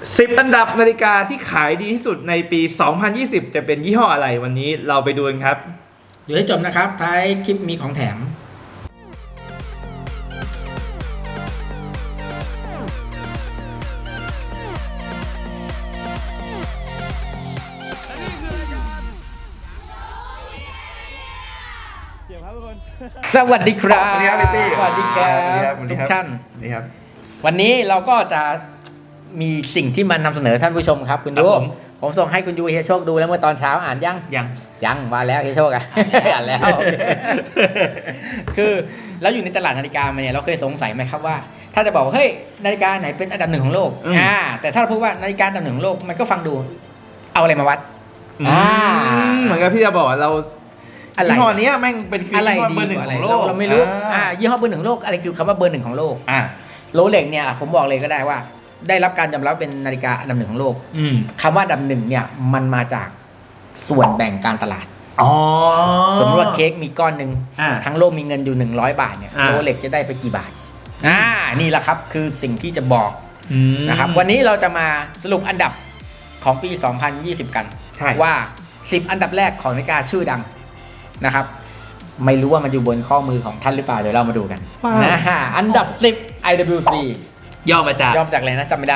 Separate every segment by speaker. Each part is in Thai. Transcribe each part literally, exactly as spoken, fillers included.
Speaker 1: สิบอันดับนาฬิกาที่ขายดีที่สุดในปี สองพันยี่สิบ จะเป็นยี่ห้ออะไรวันนี้เราไปดูกันครับ
Speaker 2: ดูให้จบนะครับท้ายคลิปมีของแถมสวัสดีครับ
Speaker 1: สวัสดีครับพี่ตี้
Speaker 2: สวัสดีครับทุกท่าน
Speaker 1: นี่ครับ
Speaker 2: วันนี้เราก็จะมีสิ่งที่มานำเสนอท่านผู้ชมครับคุณยูผมส่งให้คุณยูเฮียโชคดูแล้วเมื่อตอนเช้าอ่านยัง
Speaker 1: ยัง
Speaker 2: ยังมาแล้วเฮียโชคอ่ะอ่านแล้ว คือเราอยู่ในตลาดนาฬิกามาเนี่ยเราเคยสงสัยไหมครับว่าถ้าจะบอกเฮ้ยนาฬิกาไหนเป็นอันดับหนึ่งของโลกอ่าแต่ถ้าเราพูดว่านาฬิกาอันดับหนึ่งของโลกมันก็ฟังดูเอาอะไรมาวัด
Speaker 1: อ่าเหมือนกับพี่จะบอกเรายี่ห้อนี้แม่งเป็นคือ
Speaker 2: ยี่
Speaker 1: ห้อเบอร์หนึ่งของโลก
Speaker 2: เราไม่รู้อ่ายี่ห้อเบอร์หนึ่งของโลกอะไรคือคำว่าเบอร์หนึ่งของโลก
Speaker 1: อ่า
Speaker 2: โรเล็กเนี่ยผมบอกเลยก็ได้ว่าได้รับการยอมรับเป็นนาฬิกาอันดับหนึ่งของโลกคำว่าอันดับหนึ่งเนี่ยมันมาจากส่วนแบ่งการตลาดสมมติว่าเค้กมีก้อนหนึ่งทั้งโลกมีเงินอยู่หนึ่งร้อยบาทเนี่ยโรเล็กจะได้ไปกี่บาทอ่านี่แหละครับคือสิ่งที่จะบอกนะครับวันนี้เราจะมาสรุปอันดับของปีสองพันยี่สิบกันว่าสิบอันดับแรกของนาฬิกาชื่อดังนะครับไม่รู้ว่ามันอยู่บนข้อมือของท่านหรือเปล่าเดี๋ยวเรามาดูกันนะฮะอันดับสิบ ไอ ดับเบิลยู ซี
Speaker 1: ย่อมาจาก
Speaker 2: ย่อมาจากอะไรนะจำไม่ได้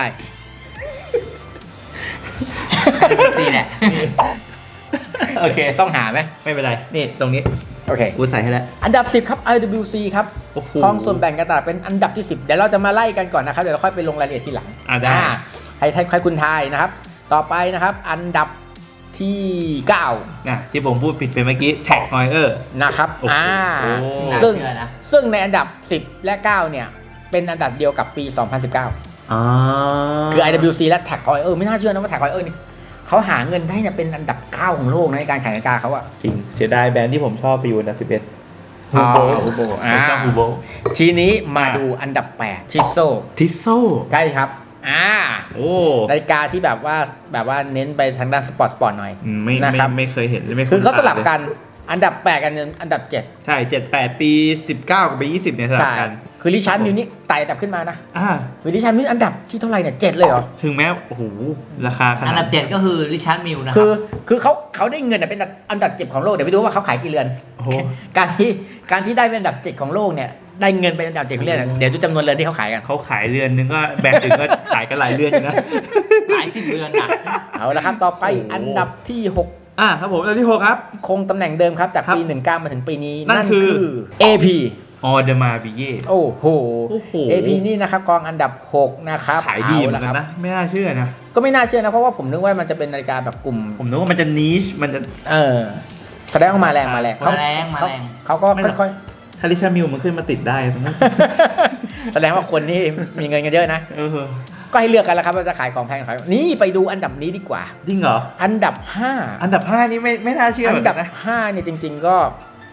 Speaker 2: นี่แหละโอเคต้องหาไหม
Speaker 1: ไม่เป็นไรนี่ตรงนี้
Speaker 2: โอเค
Speaker 1: กูใส่ให้แล้ว
Speaker 2: อันดับสิบครับ ไอ ดับเบิลยู ซี ครับครองส่วนแบ่งการตลาดเป็นอันดับที่สิบเดี๋ยวเราจะมาไล่กันก่อนนะครับเดี๋ยวเราค่อยไปลงรายละเอียดทีหลัง
Speaker 1: อ่าได้
Speaker 2: ให้ให้ใครคุณทายนะครับต่อไปนะครับอันดับที่เก้า
Speaker 1: นะที่ผมพูดผิดไปเมื่อกี้แท็กฮอยเออร์
Speaker 2: นะครับอ่าซึ่งซึ่งในอันดับสิบและเก้าเนี่ยเป็นอันดับเดียวกับปีสองพันสิบเก้า
Speaker 1: อ๋อ
Speaker 2: คือ ไอ ดับเบิลยู ซี และแท็กฮอยเออร์ไม่น่าเชื่อนะว่าแท็กฮอยเออร์นี่เขาหาเงินได้เนี่ยเป็นอันดับเก้าของโลกในการขายนาฬิกาเขาอะ
Speaker 1: จริงเสียดายแบรนด์ที่ผมชอบไปอยู่อันดับสิบเอ็ด
Speaker 2: ฮูโบฮูโบ
Speaker 1: ผมชอบฮูโบ
Speaker 2: ทีนี้มาดูอันดับแปดทิโซ
Speaker 1: ทิโซ
Speaker 2: ใช่ครับอ่า
Speaker 1: โอ้
Speaker 2: นาฬิกาที่แบบว่าแบบว่าเน้นไปทางด้านสปอร์ตสปอร์ตหน่อย
Speaker 1: ไม่นะครับไม่เคยเห็นไม่
Speaker 2: คือเขาสลับกันอันดับแปดกันอันดับเจ็ด
Speaker 1: ใช่เจ็ด แปดปีสิบเก้ากับปียี่สิบเนี่ยสลับกัน
Speaker 2: คือริชาร์ดมิวนี่ไต่อันดับขึ้นมานะ
Speaker 1: อ่า
Speaker 2: คือริชาร์ดมิวอันดับที่เท่าไหร่เนี่ยเจ็ดเลยเหรอ
Speaker 1: ถึงแม้โอ้โหราคาขนาด
Speaker 3: อันดับเจ็ดก็คือริชาร์ดมิวนะครับ
Speaker 2: คือคือเขาเขาได้เงินเป็นอันดับเจ็ดของโลกเดี๋ยวไปดูว่าเขาขายกี่เรือน
Speaker 1: โอ้โห
Speaker 2: การที่การที่ได้เป็นอันดับเจ็ดของโลกเนี่ยได้เงินเป็นอันดับเจ็ดของเรือนเดี๋ยวดูจำนวนเรือนที่เขาขายกัน
Speaker 1: เขาขายเรือนนึงก็แบรนด์อื่นก็ขายกันหลายเรือนอยู่นะ
Speaker 3: หลายสิบเรือนอ่ะ
Speaker 2: เอาละครับต่อไปอันดับที่หก
Speaker 1: อ่าครับผมอันดับที่หกครับ
Speaker 2: คงตำแหน่งเดิมครับจากปีสิบเก้ามาถึงปีนี้
Speaker 1: นั่นคือ
Speaker 2: เอ พี
Speaker 1: ออเดมาบิเย่
Speaker 2: โอ้โห เอ พี นี่นะครับกองอันดับหกนะครับ
Speaker 1: ขายดีเหมือนกันนะไม่น่าเชื่อนะ
Speaker 2: ก็ไม่น่าเชื่อนะเพราะว่าผมนึกว่ามันจะเป็นนาฬิกาแบบกลุ่ม
Speaker 1: ผมนึกว่ามันจะนิชมันจะ
Speaker 2: เออแสดงว่ามาแรงมาแรง
Speaker 3: มาแรงมาแรง
Speaker 2: เขาก็ค่อย
Speaker 1: ๆถ้าริชาร์ดมิวมันขึ้นมาติดได้
Speaker 2: แสดงว่าคนนี่มีเงินกันเยอะนะก็ให้เลือกกันแล้วครับว่าจะขายของแพงขายนี่ไปดูอันดับนี้ดีกว่า
Speaker 1: จริงเหรอ
Speaker 2: อันดับห้า
Speaker 1: อันดับห้านี่ไม่ไม่น่าเชื่อ
Speaker 2: อันดับห้าเนี่ยจริงๆก็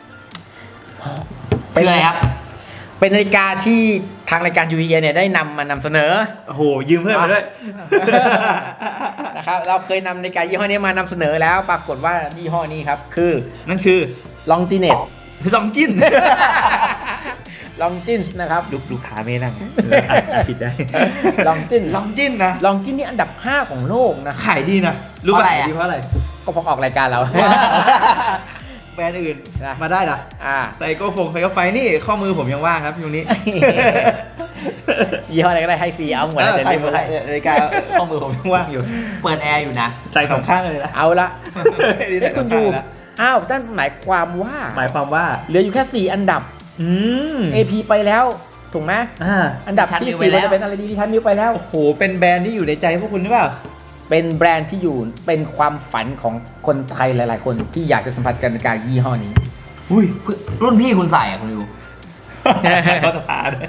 Speaker 3: เป็นอะไรครับ
Speaker 2: เป็นนาฬิกาที่ทางรายการยูวีเนี่ยได้นำมานำเสนอ
Speaker 1: โอ้โหยืมเพื่อนมาด้วย
Speaker 2: นะครับเราเคยนำนาฬิกายี่ห้อนี้มานำเสนอแล้วปรากฏว่ายี่ห้อนี้ครับคือ
Speaker 1: นั่นคือ
Speaker 2: ลองจิเน็ต
Speaker 1: ลองจิน
Speaker 2: ลองจินนะครับ
Speaker 1: ลูกลูกค้าไม่นั่งผิดได้
Speaker 2: ลองจิน
Speaker 1: ลองจินนะ
Speaker 2: ลองจินนี่อันดับห้าของโลกนะ
Speaker 1: ขายดีนะรู้ป่ะขายดีเพราะอะไร
Speaker 2: ก็พอออกรายการเรา
Speaker 1: แบรนด์อื่นมาได้นะไซโก้ฟงไซโก้ไฟนี่ข้อมือผมยังว่างครับช่วงนี้
Speaker 2: ยี่ห้ออะไรก็ได้ให้ฟรีเอาหมดเลย
Speaker 1: ใส่หมดเลยรายการข้อมือผมยังว่างอยู่
Speaker 3: เปิดแอร์อยู่นะ
Speaker 1: ใจสองข้างเลยนะ
Speaker 2: เอาละนี่คุณดูอ้าวนั่นหมายความว่า
Speaker 1: หมายความว่า
Speaker 2: เหลืออยู่แค่สี่อันดับ
Speaker 1: อืม
Speaker 2: เอ พี ไปแล้วถูกไหมอ่าอันดับที่สี่จะเป็นอะไรดีที่ชั้นนิ้วไปแล้ว
Speaker 1: โอ้โหเป็นแบรนด์ที่อยู่ในใจพวกคุณหรือเปล่า
Speaker 2: เป็นแบรนด์ที่อยู่เป็นความฝันของคนไทยหลายๆคนที่อยากจะสัมผัสกับนาฬิกายี่ห้อนี้
Speaker 3: อุ้ยรุ่นพี่คุณใส่อะคุณดู
Speaker 1: ก็สภาด้วย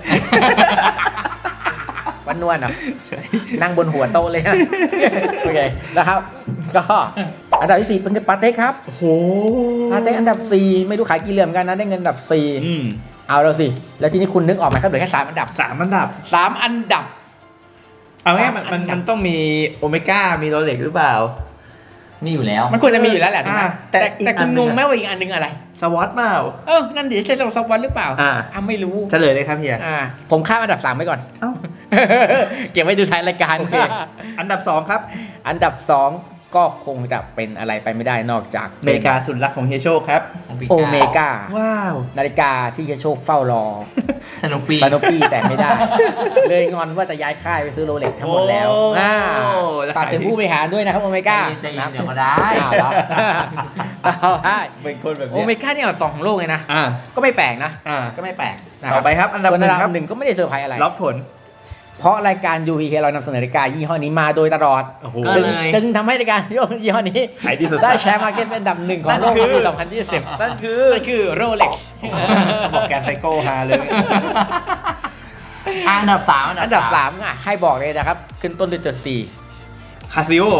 Speaker 2: วันนวลอ่ะนั่งบนหัวโต๊ะเลยฮะโอเคนะครับก็อันดับที่สี่เป็นปาเต้ครับ
Speaker 1: โอ้โห
Speaker 2: ปาเต้อันดับสี่ไม่รู้ขายกี่เหลี่ยมกันนะได้เงินอันดับสี่เอาแล้วสิแล้วทีนี้คุณนึกออกไหมครับเหลือแค่สามอันดับ
Speaker 1: สามอันดับ
Speaker 2: สามอันดับ
Speaker 1: เอาง่ายมันมันต้องมีโอเมก้ามีโรเล็กหรือเปล่า
Speaker 3: มีอยู่แล้ว
Speaker 2: มันควรจะมีอยู่แล้วแหละถูกไหมแต่แต่คุณงงไหมว่าอีกอันนึงอะไร
Speaker 1: สวอตเปล่า
Speaker 2: เออนั่นดิใช่สวอตหรือเปล่า
Speaker 1: อ่า
Speaker 2: อ่ะไม่รู้
Speaker 1: เฉลยเลยครับเฮีย
Speaker 2: อ่าผมข้ามอันดับสามไปก่อน
Speaker 1: เอ้า
Speaker 2: เก็บไว้ดูท้ายรายการ
Speaker 1: โอเค อันดับสองครับ
Speaker 2: อันดับสองก็คงจะเป็นอะไรไปไม่ได้นอกจาก
Speaker 1: อเมริกาสุดรักของเฮียโชคครับ
Speaker 2: โอเมก้า
Speaker 1: ว้าว
Speaker 2: นาฬิกาที่เฮียโชคเฝ้ารอ
Speaker 3: สนุกปี
Speaker 2: ปาโนปี้แต่ไม่ได้ เลยงอนว่าจะย้ายค่ายไปซื้อโรเล็กทั้งหมดแล้ว
Speaker 1: โอ้
Speaker 2: อ่า
Speaker 1: แล้ว
Speaker 2: ฝากถึงผู้บริหารด้วยนะครับโอเมก้า
Speaker 3: ใจเย็นเดี๋ยวก็ได้
Speaker 2: อ้าวเหรอเอาได้
Speaker 1: เป็นคนแบบ
Speaker 2: โอ
Speaker 1: เนี้ย
Speaker 2: เมก้าเนี่ยอันดับสองของโลกเลยนะ
Speaker 1: อ่า
Speaker 2: ก็ไม่แปลกนะ
Speaker 1: อ่า
Speaker 2: ก็ไม่แปลกนะ
Speaker 1: ต่อไปครับ อันดับ
Speaker 2: ส่วน
Speaker 1: ห
Speaker 2: อั
Speaker 1: นึ่
Speaker 2: น
Speaker 1: ง
Speaker 2: ดั
Speaker 1: ครับ
Speaker 2: บหนึ่งก็ไม่ได้เซอร์ไพรส์อะไร
Speaker 1: ล็อกผล
Speaker 2: เพราะรายการ ยู พี เค เรานำเสนอนาฬิกายี่ห้อนี้มาโดยตลอด
Speaker 1: โอ้โห
Speaker 3: ก็
Speaker 2: จึง
Speaker 3: เลย
Speaker 2: จึงทำให้รายการยี่ห้อนี้
Speaker 1: ขายดีสุด
Speaker 2: ได้แชร์มาร์เก็ตเป็นอันดับหนึ่งของโลก
Speaker 1: นั่นคือ
Speaker 2: ในปีสองพันยี่สิบ
Speaker 1: นั่นคือ
Speaker 2: นั่นคือโรเล็ก
Speaker 1: บอกแกนไซโก้ฮาเลย
Speaker 3: อันดับสาม
Speaker 2: อันดับสามอ่ะให้บอกเลยนะครับ ขึ้นต้นด้วยตัว สี่
Speaker 1: คาซิโอ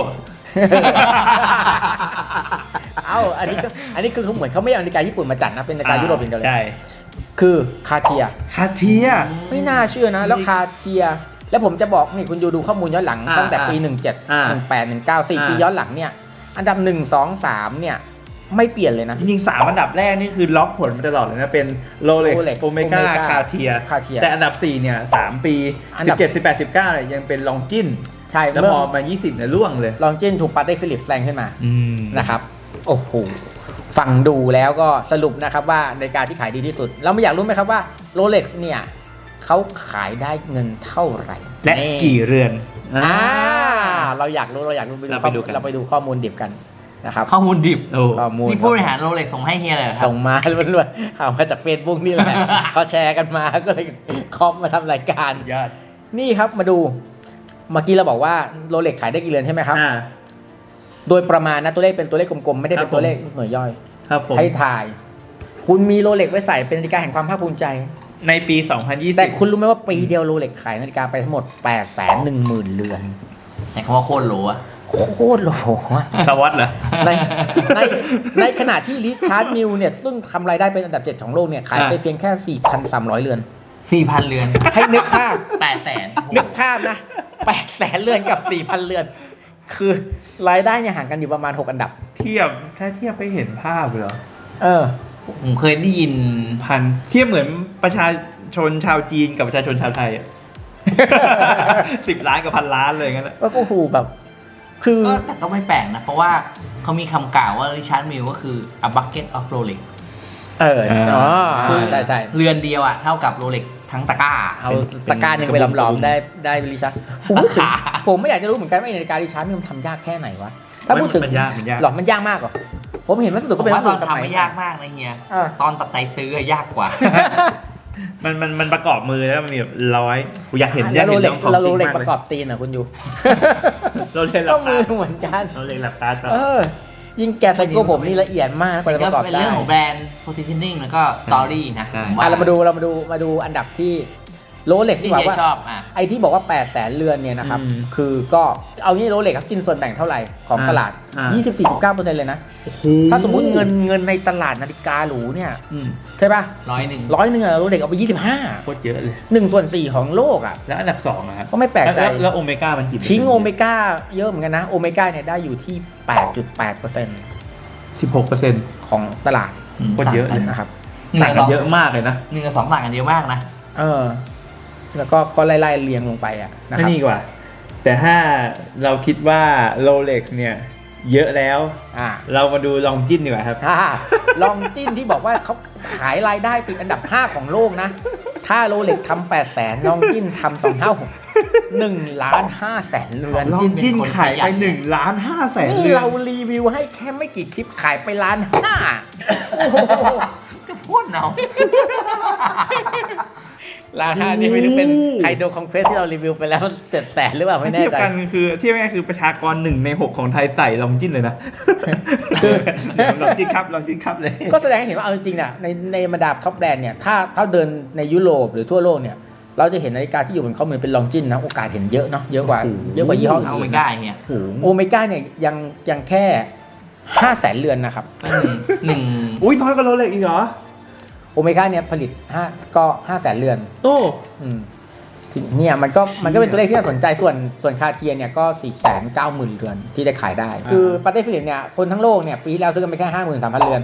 Speaker 2: เอ้าอันนี้ก็อันนี้คือเขาเหมือนเขาไม่เอานาฬิกาญี่ปุ่นมาจัดนะ เป็นนาฬิกายุโรปอย่างเดียวเลย
Speaker 1: ใช่
Speaker 2: คือคาเทีย
Speaker 1: คาเทีย
Speaker 2: ไม่น่าเชื่อนะ แล้วคาเทีย แล้วผมจะบอกนี่คุณดูดูข้อมูลย้อนหลัง
Speaker 1: อ่า
Speaker 2: ตั้งแต่ปี หนึ่งเจ็ด
Speaker 1: อ่า
Speaker 2: หนึ่งแปด หนึ่งเก้า สี่
Speaker 1: อ่า
Speaker 2: ปีย้อนหลังเนี่ย อันดับ หนึ่ง สอง สาม เนี่ย ไม่เปลี่ยนเลยนะ
Speaker 1: จริงๆสามอันดับแรกนี่คือล็อกผลมาตลอดเลยนะ เป็นโรเล็ก
Speaker 2: Rolex
Speaker 1: โอเมก้า
Speaker 2: Omega
Speaker 1: คาเทีย
Speaker 2: Cartier
Speaker 1: แต่อันดับสี่เนี่ยสามปี
Speaker 2: อัน
Speaker 1: สิ
Speaker 2: ดั
Speaker 1: บบ เจ็ด สิบแปด สิบเก้าเนี่ยยังเป็นลองจิน
Speaker 2: ใช่
Speaker 1: แล้ว
Speaker 2: เมื่อ
Speaker 1: พอมายี่สิบเนี่ยล่วงเลย
Speaker 2: ลองจินถูกปาเต้ฟิลิปแซงขึ้นมา
Speaker 1: อืม
Speaker 2: นะครับ โอ้โห ฟังดูแล้วก็สรุปนะครับว่านาฬิกาที่ขายดีที่สุด เราไม่อยากรู้ไหมครับว่าโรเล็กซ์เนี่ยเขาขายได้เงินเท่าไหร่
Speaker 1: และ
Speaker 2: นี่
Speaker 1: กี่เรือน
Speaker 2: อ่าเราอยากรู้เราอยากรู้
Speaker 1: เราไปดูกัน
Speaker 2: เราไปดูข้อมูลดิบกันนะครับ
Speaker 3: ข้อมูลดิบ
Speaker 1: โอ้
Speaker 2: ข้อมูล
Speaker 3: นี่ผู้บริหารโรเล็กส่งให้เฮียเลยเหรอครับ
Speaker 2: ส่งมาล้วนๆเอามาจากเฟซบุ๊กนี่แหละ เขาแชร์กันมาก็เลยคอมมาทำรายการ
Speaker 1: ยอด
Speaker 2: นี่ครับมาดูเมื่อกี้เราบอกว่าโรเล็กขายได้กี่เรือนใช่ไหมครับ
Speaker 1: อ่า
Speaker 2: โดยประมาณนะตัวเลขเป็นตัวเลขกลมๆไม่ได้เป็นตัวเลขหน่วยย่อย
Speaker 1: ครับผม
Speaker 2: ให้ถ่าย คุณมีโรเล็กไว้ใส่เป็นนาฬิกาแห่งความภาคภูมิใจ
Speaker 1: ในปี สองพันยี่สิบ
Speaker 2: แต่คุณรู้ไหมว่าปีเดียวโรเล็กขายนาฬิกาไปทั้งหมด แปดแสนหนึ่งหมื่น เรือน
Speaker 3: แต่คำว่าโคตรโหลอะ
Speaker 2: โคตรโหลอะ
Speaker 1: สวอตเหรอ
Speaker 2: ในในในขณะที่ริชาร์ดมิลเนี่ยซึ่งทำรายได้เป็นอันดับเจ็ดของโลกเนี่ยขายไป
Speaker 1: อ่า
Speaker 2: เพียงแค่ สี่พันสามร้อย เรือน
Speaker 3: สี่พันเรือน
Speaker 2: ให้นึกภาพ
Speaker 3: แปดแสน
Speaker 2: นึกภาพนะ แปดแสน เรือนกับ สี่พัน เรือน คือรายได้เนี่ยห่างกันอยู่ประมาณ หก อันดับ
Speaker 1: เทียบถ้าเทียบไปเห็นภาพเหรอ
Speaker 2: เออ
Speaker 3: ผมเคยได้ยิน
Speaker 1: พันเทียบเหมือนประชาชนชาวจีนกับประชาชนชาวไทย อะสิบล้านกับพันล้านเลยงั้นอะ
Speaker 2: ก็โอ้โหแบบ คือ
Speaker 3: ก็แต่ก็ไม่แปลกนะ เพราะว่าเขามีคำกล่าวว่าริชาร์ดมิลก็คือ a bucket of Rolex
Speaker 2: เอออ๋อ
Speaker 3: คือ
Speaker 2: ใช่ใช่
Speaker 3: เรือนเดียวอะเท่ากับโรเล็กทั้งตะกร้า
Speaker 2: เอาตะกร้าหนึ่งไปหลอมๆได้ได้ริชาร์ดผมพูดถึงผมไม่อยากจะรู้เหมือนกันว่าไอ้นาฬิการิชาร์ดมิลมันทำยากแค่ไหนวะถ้าพูดถึง
Speaker 1: มันยากมันยาก
Speaker 2: หรอมันยากมากเหรอผมเห็นวัสดุ
Speaker 3: ผ
Speaker 2: ก็
Speaker 3: ม
Speaker 2: เป็นวั
Speaker 3: ว่า
Speaker 2: ส
Speaker 3: ต
Speaker 2: ดุ
Speaker 3: อน
Speaker 2: สมัย
Speaker 3: ทำไม่ยากมากนะเฮีย
Speaker 2: เออ
Speaker 3: ตอนตัดใจซื้ออะยากกว่า
Speaker 1: มันมันมันประกอบมือแล้วมันมีแบบร้อยกูอยากเห็นอ
Speaker 2: แล้
Speaker 1: ยาก
Speaker 2: วโร
Speaker 1: เห็น
Speaker 2: เล็ก
Speaker 1: ของ
Speaker 2: แล้วโร
Speaker 1: จริง
Speaker 2: เล็ก
Speaker 1: มาก
Speaker 2: ป
Speaker 1: เล
Speaker 2: ระ
Speaker 1: ย
Speaker 2: กอบตีนอ่ะคุณอยู่
Speaker 1: โรเล็กหลั
Speaker 2: ก็
Speaker 1: บ
Speaker 2: มื
Speaker 1: ตา
Speaker 2: อเหมือนกัน
Speaker 1: โรเล็กหลับตาต่อ
Speaker 2: เออ ยิ่งแกะไซโก้ผมนี่ละเอียดมากกว่าจะประกอบ
Speaker 3: เป็น
Speaker 2: ได้
Speaker 3: เรื่องของแบรนด์ positioning แล้วก็ story นะผมว่า
Speaker 2: อ่ะเรามาดูเรามาดูมาดูอันดับที่โรเล็ก
Speaker 3: ที่
Speaker 2: ที่บอก
Speaker 3: เฮีย
Speaker 2: ว่า
Speaker 3: ชอบอ่ะ
Speaker 2: ไอ้ที่บอกว่า แปดแสน เรือนเนี่ยนะครับ คือก็เอางี้โรเล็กครับกินส่วนแบ่งเท่าไหร่ของตลาด ยี่สิบสี่จุดเก้าเปอร์เซ็นต์ เลยนะ ถ้าสมมุติเงินเงินในตลาดนาฬิกาหรูเนี่ย
Speaker 1: อืม
Speaker 2: ใช่ป่ะ
Speaker 3: ร้อยหนึ่ง
Speaker 2: ร้อยหนึ่งอะโรเล็กเอาไปยี่สิบห้า
Speaker 1: โคตรเยอะเลย
Speaker 2: หนึ่งส่วนสี่ของโลกอ่ะ
Speaker 1: แล้วอันดับสองนะครับ
Speaker 2: ก็ไม่แปลกใจ
Speaker 1: แล้วแล้วโอเมก้ามันกี่
Speaker 2: ชิงโอเมก้าเยอะเหมือนกันนะ โอเมก้าเนี่ยได้อยู่ที่ แปดจุดแปดเปอร์เซ็นต์
Speaker 1: สิบหกเปอร์เซ็นต์
Speaker 2: ของตลาด
Speaker 1: โคตรเยอะเลย
Speaker 2: นะครับ
Speaker 3: หนึ่ง
Speaker 1: ต่าง
Speaker 3: กับ
Speaker 1: กั
Speaker 3: ส
Speaker 1: น
Speaker 3: อง
Speaker 1: เยอะมากเลยนะ
Speaker 3: หนึ่งกับสองต่างกันเยอะมากนะ
Speaker 2: เออ แล้วก็ก็ไล่ๆเรียงลงไปอ่ะนะค
Speaker 1: ไม่
Speaker 2: รับ
Speaker 1: นี่กว่า แต่ถ้าเราคิดว่าโรเล็กเนี่ยเยอะแล้ว
Speaker 2: อ่า
Speaker 1: เรามาดูลองจิ้นดีกว่าครับ
Speaker 2: อ่าลองจิ้นที่บอกว่าเขาขายรายได้ติดอันดับห้าของโลกนะ ถ้าโรเล็กทำแปดแสนลองจิ้นทำสองเท่าหนึ่งล้านห้าแสนเรือน
Speaker 1: ลองจิ้นขายไปหนึ่งล้านห้าแสน
Speaker 2: นี่
Speaker 1: เรือน
Speaker 2: เรารีวิวให้แค่ไม่กี่คลิปขายไปล้านห้าโอ้โห
Speaker 3: ก็พูดเนาะ
Speaker 2: ล้านห้านี่ไม่รู้เป็นไฮโดรคอมเพรสที่เรารีวิวไปแล้วเจ็ดแสนหรือเปล่าไม่แน่
Speaker 1: เทียบ
Speaker 2: ใจ
Speaker 1: กันคือเทียบง่ายๆคือประชากรหนึ่งในหกของไทยใส่ลองจิ้นเลยนะลองจิ้นครับลองจิ้นครับเลย
Speaker 2: ก็แสดงให้เห็นว่าเอาจริงๆน่ะในในบรรดาท็อปแบรนด์เนี่ยถ้าถ้าเดินในยุโรปหรือทั่วโลกเนี่ยเราจะเห็นนาฬิกาที่อยู่บนข้อมือเป็นลองจินนะโอกาสเห็นเยอะเนาะเยอะกว่าเยอะกว่ายี่ห้อ
Speaker 3: เอา
Speaker 2: อื่
Speaker 3: ไม่
Speaker 2: น
Speaker 3: ได้เฮีย
Speaker 2: โอเมก้าเนี่ยยังยังแค่ห้าแสนเรือนนะครับ
Speaker 3: ก็หนึ่งหนึ่ง
Speaker 1: อุ้ยน้อยกว่าโรเล็กอีกเหรอ
Speaker 2: โอเมก้าเนี่ยผลิตห้าก็ห้าแสนเรือน
Speaker 1: โอ้
Speaker 2: อืมทีเนี่ยมันก็มันก็เป็นตัวเลขที่น่าสนใจส่วนส่วนคาเทียเนี่ยก็สี่แสนเก้าหมื่นเรือนที่ได้ขายได้ คือปาเต้ฟิลิปเนี่ยคนทั้งโลกเนี่ยปีที่แล้วซื้อกันไปแค่ห้าหมื่นสามพันเรือน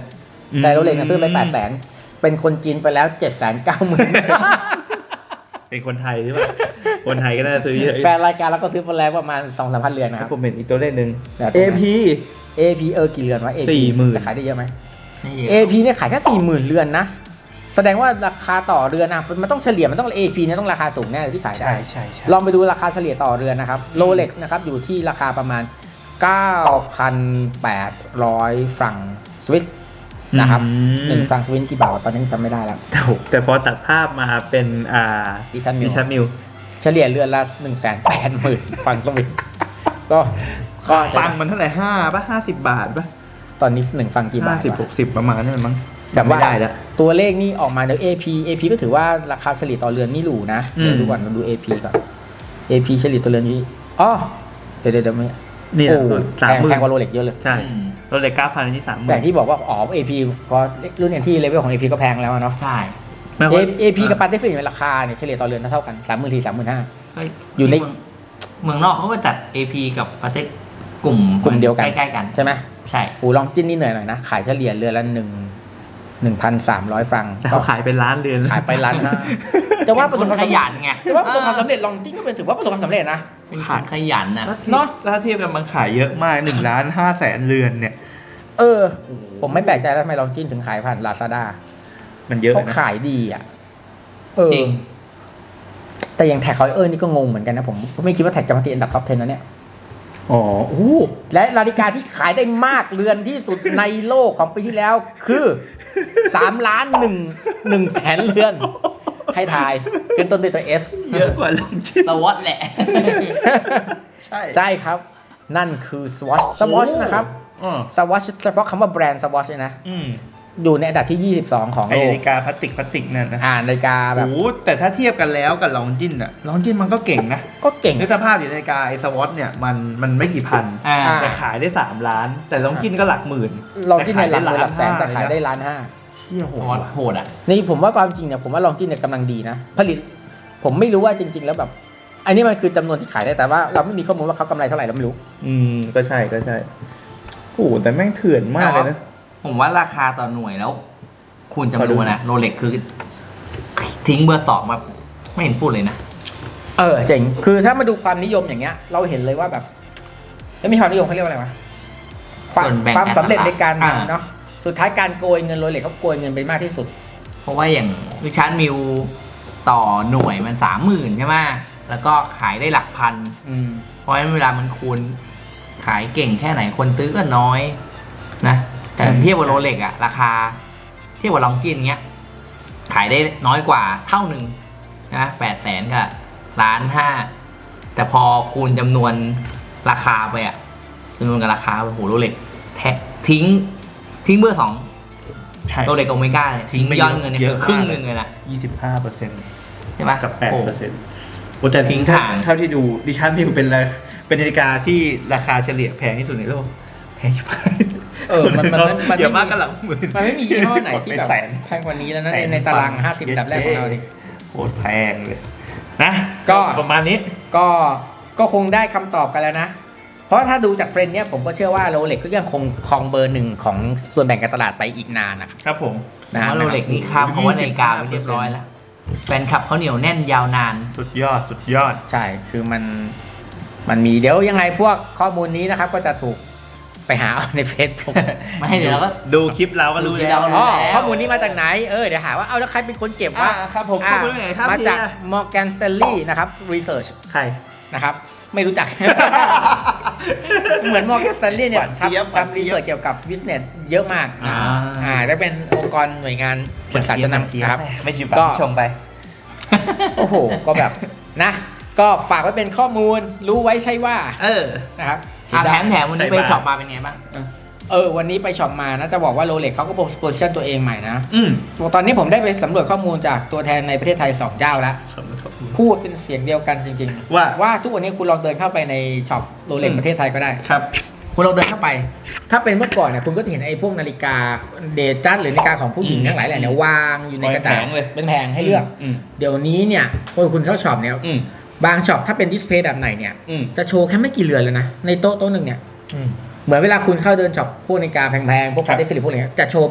Speaker 2: แต่โรเล็กเนี่ยซื้อไปแปดแสนเป็นคนจีนไปแล้วเจ็ดแสนเก้าหมื่น
Speaker 1: เป็นคนไทยใช่ไหมคนไทยก็น่าจะซื้อเยอะ
Speaker 2: แฟนรายการเราก็ซื้อไปแล้วประมาณสองสามพันเรือนนะครับ
Speaker 1: ผมเห็นอีกตัวเลขหนึ่ง
Speaker 2: แบบ
Speaker 1: เอ พี
Speaker 2: เอ พี เออกี่เรือนวะ เอ พี
Speaker 1: สี่หมื่น
Speaker 2: จะขายได้เยอะไหม
Speaker 3: ไม่เยอะ
Speaker 2: เอ พี เนี่ยขายแค่สี่หมื่นเรือนนะแสดงว่าราคาต่อเรือนนะมันต้องเฉลี่ยมันต้อง เอ พี เนี่ยต้องราคาสูงแน่เลยที่ขายได้
Speaker 1: ใช่ใช่ใช่
Speaker 2: ลองไปดูราคาเฉลี่ยต่อเรือนนะครับโรเล็กซ์นะครับอยู่ที่ราคาประมาณ เก้าพันแปดร้อย ฟรังสวิสนะครับหนึ่งฟรังสวิสกี่บาทวะตอนนี้จำไม่ได้แล้ว
Speaker 1: แต่แต่พอตัดภาพมาเป็นอ่า
Speaker 2: ดิชันมิ
Speaker 1: ดิ
Speaker 2: ล
Speaker 1: ชันมิล
Speaker 2: เฉลี่ยเรือนละหนึ่งแสนแปดหมื่นฟรังสวิสก็ก็
Speaker 1: ฟังมันเท่าไหร่ห้าป่ะห้าสิบบาทป่ะ
Speaker 2: ตอนนี้หนึ่งฟรังกี่บา
Speaker 1: ห้า
Speaker 2: ท
Speaker 1: สิบห
Speaker 2: วะ
Speaker 1: กสิบประมาณนั้นมั้ง
Speaker 2: แต่ว่า
Speaker 1: ไม่ได้แล้ว
Speaker 2: ตัวเลขนี่ออกมาเดี๋ยว เอ พี เอ พี ก็ถือว่าราคาเฉลี่ยต่อเรือนนี่หรูนะ
Speaker 1: อืม
Speaker 2: เดี๋ยวดูก่อนเราดู เอ พี ก่อน เอ พี เฉลี่ยต่อเรือนนี้อ๋อเดี๋ยวเดี๋ยวเดี๋ยวไม่
Speaker 1: นี่
Speaker 2: โอ้
Speaker 1: สาม
Speaker 2: แพง
Speaker 1: หมื่
Speaker 2: แพ
Speaker 1: น
Speaker 2: งกว่าโรเล็กเยอะเลย
Speaker 1: ใช่
Speaker 3: อืม
Speaker 1: รถเลยเก้าพันอันนี้สามหมื่
Speaker 2: แต่
Speaker 1: น
Speaker 2: ที่บอกว่าอ๋อ เอ พี พอรุ่นอย่างที่เลเวลของ เอ พี ก็แพงแล้วอะเนาะ
Speaker 3: ใช่
Speaker 1: ไม่
Speaker 2: เอ
Speaker 1: ว่า
Speaker 2: เอพีกับปาเต้ฟินราคาเนี่ยเฉลี่ยต่อเรือนเท่ากันสามหมื่นทีสามหมื่นห้า
Speaker 3: เฮ้
Speaker 2: อยู่ใน
Speaker 3: เมืงเมืองนอกเขาก็จัด เอ พี กับประเทศกลุ่ม
Speaker 2: กลุ่มเดียวกัน
Speaker 3: ใกล้ๆกัน
Speaker 2: ใช่ไหไหม
Speaker 3: ใช่
Speaker 2: อูลองจิ้นนี่เหนื่อยหน่อยนะ ขายเฉลี่ยเรือนละหนึ่งหนึ่งพันสามร้อยฟรัง
Speaker 1: แต่เขาขายเป็นล้านเรือน
Speaker 2: ขายไปล้านห้าแต่ว่าประส
Speaker 3: ค
Speaker 2: บ
Speaker 3: น
Speaker 2: ความ
Speaker 3: ข
Speaker 2: สำเร็จ
Speaker 3: ยันไง
Speaker 2: แต่ว่าประสบความสำเร็จลองจิ้นก็เป็นถือว่าประสบความสำเร็จนะ
Speaker 3: เป็นคนขยันนะ
Speaker 1: เนาะถ้าเทียบกันมันขายเยอะมากหนึ่งล้านห้าแสนเรือนเนี่ย
Speaker 2: เออ ผมไม่แปลกใจแล้วทำไมลองจิ้นถึงขายผ่านลาซาด้า
Speaker 1: มันเยอะ
Speaker 2: เขา
Speaker 1: นะ
Speaker 2: ขายดีอ่ะเออ
Speaker 3: จริง
Speaker 2: แต่อย่างแท็กคอยเออร์นี่ก็งงเหมือนกันนะผมไม่คิดว่าแท็กจะมาติดอันดับท็อปสิบนะเนี่ย
Speaker 1: อ๋อโอ้
Speaker 2: และนาฬิกาที่ขายได้มากเรือนที่สุดในโลกของปีที่แล้ว คือสามล้านหนึ่งหนึ่งแสนเรือน ให้ทายขึ้นต้นด้วยตัว S
Speaker 1: เยอะกว่าลองจิ้น
Speaker 3: สวอตแหละ
Speaker 1: ใช่
Speaker 2: ใช่ครับ นั่นคือ Swatch Swatch นะครับ
Speaker 1: อ๋อ
Speaker 2: Swatch เฉพาะคำว่าแบรนด์ Swatch เลยนะ
Speaker 1: อืม
Speaker 2: อยู่ในอันดับที่ยี่สิบสองของ
Speaker 1: ไอ
Speaker 2: โล
Speaker 1: นาก ฬิกาพลาสติกพลาสติกนั่นนะ
Speaker 2: อ่านาฬิกาแบบ
Speaker 1: โอ้แต่ถ้าเทียบกันแล้วกับลองจิ้นอะลองจิ้นมันก็เก่งนะ
Speaker 2: ก็เก่ง
Speaker 1: นึกสภาพอยู่นาฬิกาไอสวอตเนี่ยมันมันไม่กี่พัน
Speaker 3: อ่า
Speaker 1: แต่ขายได้สามล้าน แต่ลองจิ้นก็หลักหมื่น
Speaker 2: ลองจิ้นในหลักหมื่นหลักแสนแต่ขายได้
Speaker 1: ล้าน
Speaker 2: ล้านห้า
Speaker 1: เที่ยโห
Speaker 3: โห
Speaker 1: ด
Speaker 3: ดโหดอ่ะ
Speaker 2: นี่ผมว่าความจริงเนี่ยผมว่าลองจิ้นเนี่ยกำลังดีนะ ผลิต ผมไม่รู้ว่าจริง ๆ แล้วแบบ อันนี้มันคือจำนวนที่ขายได้แต่ว่าเราไม่มีข้อมูลว่าเขากำไรเท่าไหร่เราไม่รู้
Speaker 1: อืมก็ใช่ก็ใช่โอ้แต่แม่งเถื่อนมากเลยนะ
Speaker 3: ผมว่าราคาต่อหน่วยแล้ว คูณจำ
Speaker 1: พอน ดู
Speaker 3: วนนะโรเล็กคือ ทิ้งเบอร์สองมาไม่เห็นพูดเลยนะ
Speaker 2: เออเจ๋งคือถ้ามาดูความนิยมอย่างเงี้ย เราเห็นเลยว่าแบบแล้วมีความนิยมเขาเรียกว่าอะไรวะความ
Speaker 3: ส่วนแบ่ง
Speaker 2: ความสำเร็จในการ
Speaker 3: อ่า
Speaker 2: ทำเนาะสุดท้ายการโกยเงินโรเล็กเขาโกยเงินไปมากที่สุด
Speaker 3: เพราะว่าอย่างวิชาร์ดมิลต่อหน่วยมันสามหมื่นใช่ไหมแล้วก็ขายได้หลักพัน
Speaker 2: อืม
Speaker 3: เพราะฉะนั้นเวลามันคูณขายเก่งแค่ไหนคนซื้อก็น้อยนะแต่เทียบกับโรเล็กอะราคา เทียบกับลองจินเงี้ย ขายได้น้อยกว่าเท่าหนึ่งนะแปดแสนกับล้านห้าแต่พอคูณจำนวนราคาไปอะจำนวนกับราคาโอ้โหโรเล็กแทะทิ้ง ทิ้งเบอร์สอง
Speaker 1: ใช่
Speaker 3: โรเล็กโอเมก้าเนี่ยทิ้งยอดเงินเนี่ย
Speaker 1: เย
Speaker 3: คือ
Speaker 1: อะมาก
Speaker 3: ครึ่งหนึ่งเลยนะ
Speaker 1: ยี่สิบห้าเปอร์เซ็นต์
Speaker 3: ใช่ไหม
Speaker 1: กับแปด
Speaker 3: โอ้
Speaker 1: เปอร์เซ็นต์โอ้แต่
Speaker 3: ทิ้ง
Speaker 1: ถ้า
Speaker 3: ทาง
Speaker 1: เท่าที่ดูดิฉันมิวเป็นอะไรเป็นนาฬิกาที่ราคาเฉลี่ยแพงที่สุดในโลกแพงชิบหาย
Speaker 2: เออมันมันมันมัน
Speaker 1: เดี๋ยว
Speaker 2: ไม่
Speaker 1: มาก
Speaker 2: มี
Speaker 1: กันหลังหมื่น
Speaker 2: มันไม่มียี่ห้อไหนที่แบบ
Speaker 1: เป็นแสน
Speaker 2: แพงกว่านี้แล้วนะ
Speaker 1: แส
Speaker 2: ใน
Speaker 1: น
Speaker 2: ในตาราง
Speaker 1: ฟัง
Speaker 2: ห้าสิบอันดับแรกของเราดิ
Speaker 1: โคตรแพงเลยนะ
Speaker 2: ก็
Speaker 1: ประมาณนี้
Speaker 2: ก็ก็คงได้คำตอบกันแล้วนะ เพราะถ้าดูจากเทรนด์เนี้ยผมก็เชื่อว่าโรเล็กก็ยังคงครองเบอร์หนึ่งของส่วนแบ่งการตลาดไปอีกนานนะครับ
Speaker 1: ครับผม
Speaker 3: ผมว่าโรเล็กนี่ข้ามเพราะว่านาฬิกาไปเรียบร้อยแล้วแฟนคลับเขาเหนียวแน่นยาวนาน
Speaker 1: สุดยอดสุดยอด
Speaker 2: ใช่คือมันมันมีเดี๋ยวยังไงพวกข้อมูลนี้นะครับ ก็จะถูกไปหาเอาในเฟซบุ๊ก
Speaker 3: ไม่ให้เดี๋ยวเราก็
Speaker 1: ดูคลิปเราก็รู้
Speaker 3: ดูคลิป
Speaker 1: แล้ว
Speaker 3: เรา
Speaker 2: อ๋อ
Speaker 3: แล้ว
Speaker 2: ข้อมูลนี้มาจากไหนเออเดี๋ยวหาว่าเอาแล้วใครเป็นคนเก็บ
Speaker 1: อ่า
Speaker 2: ว่า
Speaker 1: ครับผม
Speaker 2: อ่า
Speaker 1: ข้อมูลไหนครับ
Speaker 2: มาจาก
Speaker 1: เฮีย
Speaker 2: Morgan Stanley นะครับ Research
Speaker 1: ใคร
Speaker 2: นะครับ ไม่รู้จัก เหมือน Morgan Stanley เนี่ย
Speaker 1: หวานเจี๊ยบ
Speaker 2: ทำทำรีเสิร์ชเกี่ยวกับ business เยอะมาก
Speaker 1: อ่า
Speaker 2: อ่าได้เป็นองค์กรหน่วยงานปรึกษาชั้นนำนะครับ
Speaker 1: ไม่ชิมปาก
Speaker 2: ก็
Speaker 1: ไม่ชงไป
Speaker 2: โอ้โห ก็แบบนะ ก็ฝากไว้เป็นข้อมูลรู้ไว้ใช่ว่า
Speaker 1: เออ
Speaker 2: นะครับ
Speaker 3: อ่ะแถมแถมวันนี้
Speaker 1: ใส่
Speaker 3: ไป
Speaker 1: บาตร
Speaker 3: ช็อปมาเป็นไงบ้าง
Speaker 2: เออวันนี้ไปช็อปมานะจะบอกว่าโรเล็กเขาก็โพสชั่นตัวเองใหม่นะ
Speaker 1: อืม
Speaker 2: ตอนนี้ผมได้ไปสำรวจข้อมูลจากตัวแทนในประเทศไทยสองเจ้าแล้ว พูดเป็นเสียงเดียวกันจริงๆ
Speaker 1: ว่า
Speaker 2: ว่าทุกวันนี้คุณลองเดินเข้าไปในช็อปโรเล็ก
Speaker 1: อืม
Speaker 2: ประเทศไทยก็ได้
Speaker 1: ครับ
Speaker 2: คุณลองเดินเข้าไป ถ้าเป็นเมื่อก่อนเนี่ยคุณก็จะเห็นไอ้พวกนาฬิกาเดจัสหรือนาฬิกาของผู้หญิง
Speaker 1: อืม
Speaker 2: ทั้งหลายแหละเนี่ยวางอยู่ในกระดาษ
Speaker 1: เป็นแผงเลย
Speaker 2: เป็นแผงให้เลือก
Speaker 1: อืม
Speaker 2: เดี๋ยวนี้เนี่ยพอคุณเข้าช็อปเนี่ย
Speaker 1: อืม
Speaker 2: บางช็อปถ้าเป็นดิสเพลย์แบบไหนเนี่ย
Speaker 1: อืม
Speaker 2: จะโชว์แค่ไม่กี่เรือนเลยนะในโต๊ะโต๊ะหนึ่งเนี่ย
Speaker 1: อืม
Speaker 2: เหมือนเวลาคุณเข้าเดินช็อปพวกนาฬิกาแพงๆพวก
Speaker 1: ครั
Speaker 2: คา
Speaker 1: บ
Speaker 2: ร์เดฟิลิปพวกอะไรเงี้ยจะโชว์แบบ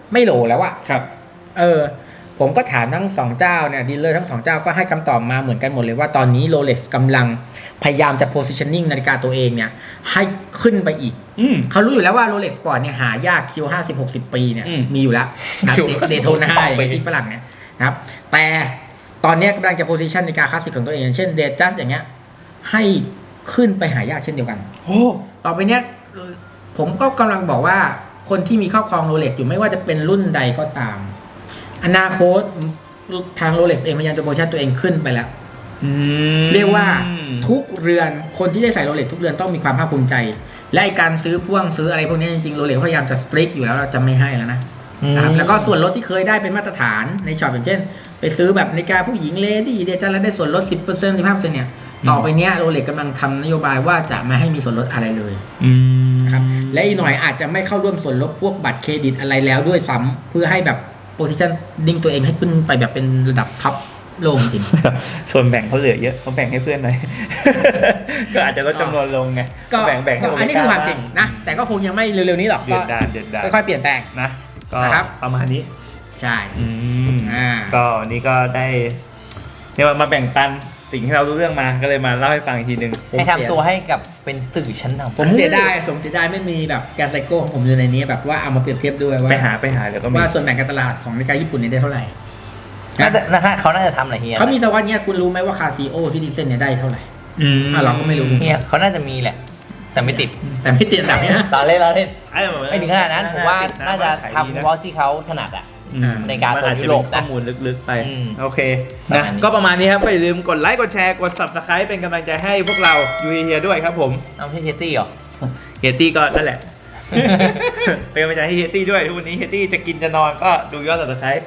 Speaker 2: ไม่โหลแล้วอะ
Speaker 1: ครับ
Speaker 2: เออผมก็ถามทั้งสองเจ้าเนี่ยดีลเลอร์ทั้งสองเจ้าก็ให้คำตอบมาเหมือนกันหมดเลยว่าตอนนี้ Rolex กำลังพยายามจะ positioning นาฬิกาตัวเองเนี่ยให้ขึ้นไปอีก
Speaker 1: อืม
Speaker 2: เขารู้อยู่แล้วว่า Rolex Sport เนี่ยหายากคิวห้าสิบหกสิบปีเนี่ย
Speaker 1: อืม
Speaker 2: มีอยู่แล้วนะ
Speaker 1: คิว
Speaker 2: เดโทนาอย่างที่ฝรั่งเนี่ยนะครับแต่ตอนเนี้ยกำลังจะ position นาฬิกาคลาสสิกของตัวเองอย่างเช่นเดจัสอย่างเงี้ยให้ขึ้นไปหายากเช่นเดียวกัน
Speaker 1: โอ้
Speaker 2: ต่อไปเนี้ยผมก็กำลังบอกว่าคนที่มีครอบครองโรเล็กอยู่ไม่ว่าจะเป็นรุ่นใดก็ตาม อนาคตทางโรเล็กเองพยายามจะโปรโมชั่นตัวเองขึ้นไปแล้ว
Speaker 1: อืม
Speaker 2: เรียกว่าทุกเรือนคนที่ได้ใส่โรเล็กทุกเรือนต้องมีความภาคภูมิใจ และไอ้การซื้อพ่วงซื้ออะไรพวกนี้จริงๆโรเล็กพยายามจะสตริกอยู่แล้วเราจะไม่ให้แล้วนะนะครับแล้วก็ส่วนลดที่เคยได้เป็นมาตรฐานในช็อปอย่างเช่น ไปซื้อแบบนาฬิกาผู้หญิงเลดี้เดจันแล้วได้ส่วนลด สิบเปอร์เซ็นต์ สิบห้าเปอร์เซ็นต์ เนี่ยต่อไปเนี้ยโรเล็กกำลังทำนโยบายว่าจะไม่ให้มีส่วนลดอะไรเลย
Speaker 1: อืม
Speaker 2: นะครับและอีกหน่อยอาจจะไม่เข้าร่วมส่วนลดพวกบัตรเครดิตอะไรแล้วด้วยซ้ำเพื่อให้แบบโพซิชันดิ้งตัวเองให้ขึ้นไปแบบเป็นระดับท็อปโลกจริง
Speaker 1: ส่วนแบ่งเขาเหลือเยอะเขาแบ่งให้เพื่อนหน่อย ก็อาจจะลดจำนวนลงไง
Speaker 2: ก็
Speaker 1: แบ่งแบ่งให้
Speaker 2: ก็อันนี้คือความจริงนะ แต่ก็คงยังไม่เร็วๆนี้หรอก
Speaker 1: เดื
Speaker 2: ก็
Speaker 1: อดดานเดือดดาน
Speaker 2: ค่อยๆเปลี่ยนแปลง
Speaker 1: นะก็
Speaker 2: นะครับ
Speaker 1: ประมาณนี้
Speaker 2: ใช่
Speaker 1: อืม
Speaker 2: อ่า
Speaker 1: ก็วันนี้ก็ได้เรียกว่ามาแบ่งปันสิ่งที่เรารู้เรื่องมาก็เลยมาเล่าให้ฟังอีกทีหนึ่ง
Speaker 2: ผม
Speaker 3: ให้
Speaker 2: เสีย
Speaker 3: ทำตัวให้กับเป็นสื่อชั้นนำ
Speaker 2: ผมเสียดายผมเสียดายไม่มีแบบแกนไซโก้ของผมอยู่ในนี้แบบว่าเอามาเปรียบเทียบด้วยว่า
Speaker 1: ไปหาไปหาเดี๋ยวก็มี
Speaker 2: ว่าส่วนแบ่งการตลาดของนาฬิกาญี่ปุ่นเนี่ยได้เท่าไหร่
Speaker 3: น่าจะนะฮะเขาน่าจะทำอะไรเฮีย
Speaker 2: เขามีสวัสดิ์เนี่ยคุณรู้ไหมว่าคาซีโอซิติเซนเนี่ยได้เท่าไหร่
Speaker 1: อืม
Speaker 2: อ่ะเราก็ไม่รู้
Speaker 3: เฮียเขาน่าจะมีแหละ แต่ไม่ติด
Speaker 2: แต่ไม่ติดแบบนี้นะ
Speaker 3: ตอนเล่นเราเล่น
Speaker 1: ไอ้แบบ
Speaker 3: ไม่ถึงขนาดนั้นผมว่าน่าจะ
Speaker 1: ขย
Speaker 3: ทำ
Speaker 1: ดี
Speaker 3: เฉ
Speaker 1: นะ
Speaker 3: พาะที่เขาถนัดอ่ะ
Speaker 1: อืม
Speaker 3: ในการ
Speaker 1: มันอาจจะ
Speaker 3: โซนยุโรป
Speaker 1: เป็น
Speaker 3: นะ
Speaker 1: ข้อมูลลึกๆไป
Speaker 3: อืม
Speaker 1: โอเค
Speaker 3: ประ
Speaker 1: นะ
Speaker 3: มาณนี้
Speaker 1: ก็ประมาณนี้ครับก็อย่าลืมกดไลค์กดแชร์กด subscribe เป็นกำลังใจให้พวกเรายูเฮียด้วยครับผม
Speaker 3: เอาพี่เชตตี้เหรอ
Speaker 1: เฮยตี้ก็นั่นแหละ เป็นกำลังใจให้เฮยตี้ด้วยทุกวันนี้เฮยตี้จะกินจะนอนก็ดูยอด subscribe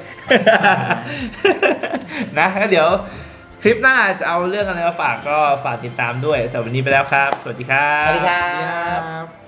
Speaker 1: นะแล้วเดี๋ยวคลิปหน้าจะเอาเรื่องอะไรมาฝากก็ฝากติดตามด้วยสำหรับวันนี้ไปแล้วครับ สวัสดีครับ
Speaker 3: สวัสดีครั
Speaker 2: ครับ บ